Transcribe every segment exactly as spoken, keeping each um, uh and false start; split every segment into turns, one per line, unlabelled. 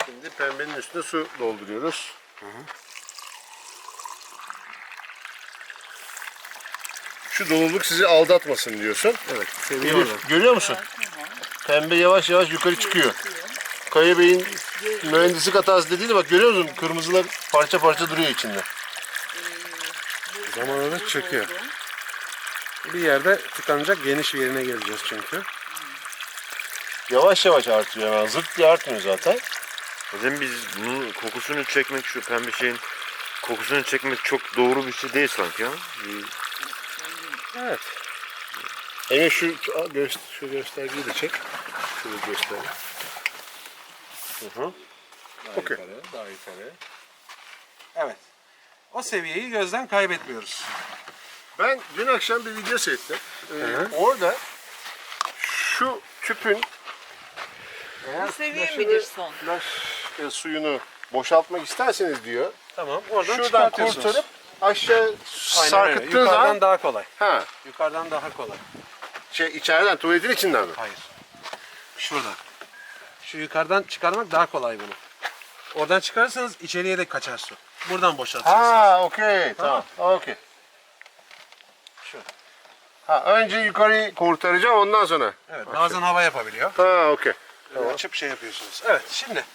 Şimdi pembenin üstüne su dolduruyoruz.
Hı hı.
Şu doluluk sizi aldatmasın diyorsun.
Evet.
Elif, görüyor musun? Pembe yavaş yavaş yukarı çıkıyor. Kaya Bey'in mühendislik hatası dediği bak görüyor musun? Kırmızılar parça parça duruyor içinde.
Zamanla çöküyor. Bir yerde tıkanacak, geniş bir yerine geleceğiz çünkü.
Yavaş yavaş artıyor hemen. Zırt diye artmıyor zaten.
Hocam biz bunun kokusunu çekmek, şu pembe şeyin kokusunu çekmek çok doğru bir şey değil sanki ya.
Evet.
Emre şu, şu, göster, şu göstergeyi de çek. Şunu göster. Hı hı.
Daha
Okey.
yukarı, daha yukarı. Evet. O seviyeyi gözden kaybetmiyoruz.
Ben dün akşam bir video seyrettim. Ee,
Hı.
orada şu tüpün eğer
Bu seviye
flaşı
midir
ve
son?
Flaş e, suyunu boşaltmak isterseniz diyor.
Tamam, oradan
Şuradan
çıkartıyorsunuz.
kurtarıp aşağı
Aynen öyle.
sarkıttığın
Yukarıdan
zaman
daha kolay.
ha,
Yukarıdan daha kolay.
şey içeriden tuvaletin içinden mi?
Hayır. Şuradan. Şu yukarıdan çıkarmak daha kolay bunu. Oradan çıkarırsanız içeriye de kaçar su. Buradan boşaltacaksınız.
Ha, okey. Tamam. Okey.
Şu.
Ha, önce yukarıyı kurtaracağım ondan sonra.
Evet, bazen hava yapabiliyor.
Ha, okey.
Böyle açıp şey yapıyorsunuz. Evet, şimdi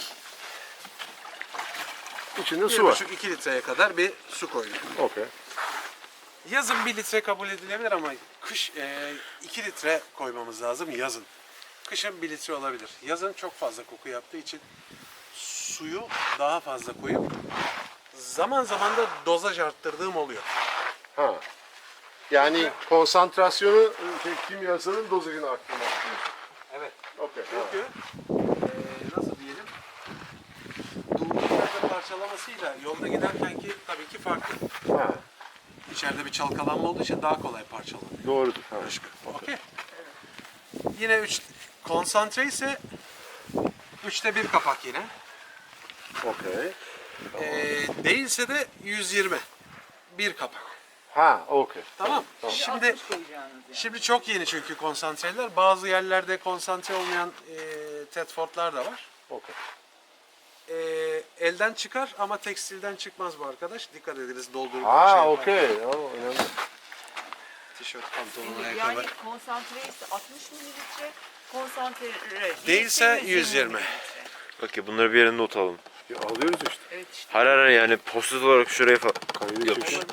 İçinde
bir
su var.
buçuk iki litreye kadar bir su koyduk.
Okey.
Yazın bir litre kabul edilebilir ama kış e, iki litre koymamız lazım yazın. Kışın bir litre olabilir. Yazın çok fazla koku yaptığı için suyu daha fazla koyup zaman zaman da dozaj arttırdığım oluyor.
Ha. Yani konsantrasyonu şey, kimyasalın dozajını arttırmak.
Evet.
Okey. ha.
Çünkü e, nasıl diyelim durduğu yerde parçalamasıyla yolda giderkenki tabii ki farklı.
Ha.
İçeride bir çalkalanma olduğu için daha kolay parçalanıyor.
Doğrudur. Ha.
Başka. Okey. Yine üç konsantre ise üçte bir kapak yine.
Okey.
Ee, değilse de yüz yirmi. Bir kapak.
Ha, okey.
Tamam. Şimdi
altmış koyacağınız yani.
şimdi çok yeni çünkü konsantreler. Bazı yerlerde konsantre olmayan e, Tedford'lar da var.
Okey.
E, elden çıkar ama tekstilden çıkmaz bu arkadaş. Dikkat ediniz doldurun.
Ha, okey. O önemli.
Tişört, pantolon,
Yani
ayakkabı.
konsantre ise altmış mililitre, konsantre
Değilse yüz yirmi.
mililitre.
Okey, bunları bir yere not alalım.
Ya, alıyoruz işte.
Evet işte.
Hayır hayır yani post olarak şuraya falan
Kaydı
yapış.
çekiyor.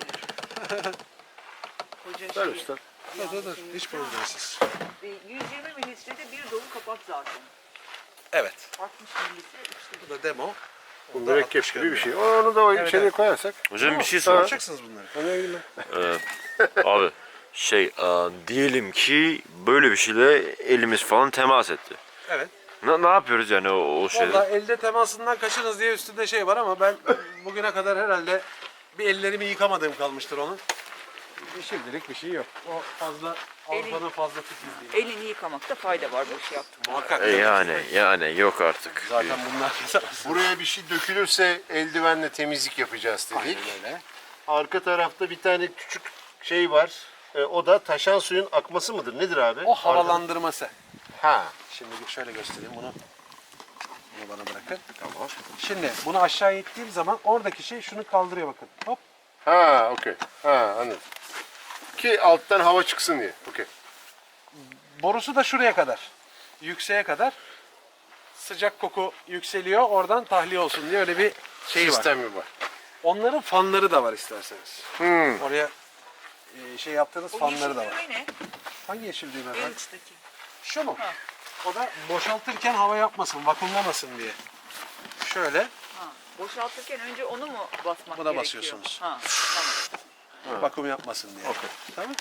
Koca
Ver
şey.
usta.
Dur dur dur. Hiç problemsiz.
E, yüz yirmi mililitrede bir dolu kapak zaten.
Evet.
altmış mililitre üçte
Bu da demo.
Bu
Onda
mürekkep
altmış
gibi bir
görünüyor.
şey. Onu da o
Evet,
içeriye
evet.
koyarsak.
Hocam bir şey
Tamam.
soracağım.
Yapacaksınız bunları.
Ne bileyim ben.
Abi şey e, diyelim ki böyle bir şeyle elimiz falan temas etti.
Evet.
Ne, ne yapıyoruz yani o, o şeyde?
Valla elde temasından kaçınız diye üstünde şey var ama ben bugüne kadar herhalde bir ellerimi yıkamadığım kalmıştır onun. Şimdilik bir şey yok. O fazla Avrupa'nın fazla titizliği.
Elini yıkamakta fayda var bu işi yaptım.
Muhakkak.
E, yani yani yok artık.
Zaten bunlar
Buraya bir şey dökülürse eldivenle temizlik yapacağız dedik.
Aynen öyle.
Arka tarafta bir tane küçük şey var. E, o da taşan suyun akması mıdır? Nedir abi?
O havalandırması.
Ha.
Şimdi şöyle göstereyim bunu. Bunu bana bırakın. Tamam. Şimdi bunu aşağı ittiğim zaman oradaki şey şunu kaldırıyor bakın. Hop.
Ha, okey. Ha, anladım. Ki alttan hava çıksın diye. Okey.
Borusu da şuraya kadar. Yükseğe kadar. Sıcak koku yükseliyor. Oradan tahliye olsun diye öyle bir şey var.
Sistemi var.
Onların fanları da var isterseniz.
Hmm.
Oraya e, şey yaptığınız
O
fanları da
yeşil
var.
düğme ne?
Hangi yeşil düğme
En
efendim?
uçtaki.
Şu mu?
Ha.
O da boşaltırken hava yapmasın, vakumlamasın diye. Şöyle.
Ha. Boşaltırken önce onu mu basmak
Buna
gerekiyor?
basıyorsunuz.
Ha. Tamam.
Vakum yapmasın diye.
Okey.
Tamam.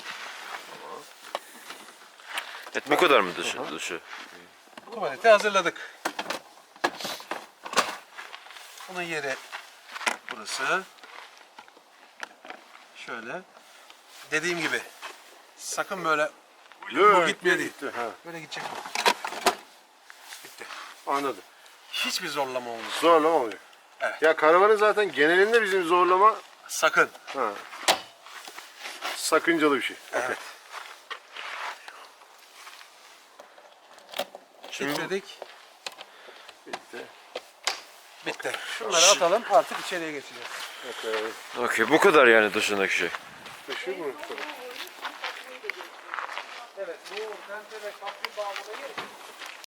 Evet, bu kadar mı dışı? dışı?
Tuvaleti hazırladık. Bunun yeri burası. Şöyle. Dediğim gibi sakın böyle bu gitmiyor değil.
Gitti, ha.
Böyle gidecek bu. Bitti.
Anladım.
Hiçbir zorlama olmuyor.
Zorlama oluyor.
Evet.
Ya karavanın zaten genelinde bizim zorlama
Sakın.
ha, sakıncalı bir şey.
Evet.
Şimdi
Titredik.
Bitti.
Bitti. Şunları atalım artık içeriye geçeceğiz.
Okey, bu kadar yani dışındaki şey.
Taşıyor mu?
Evet bu tente ve kaplı bağlamayı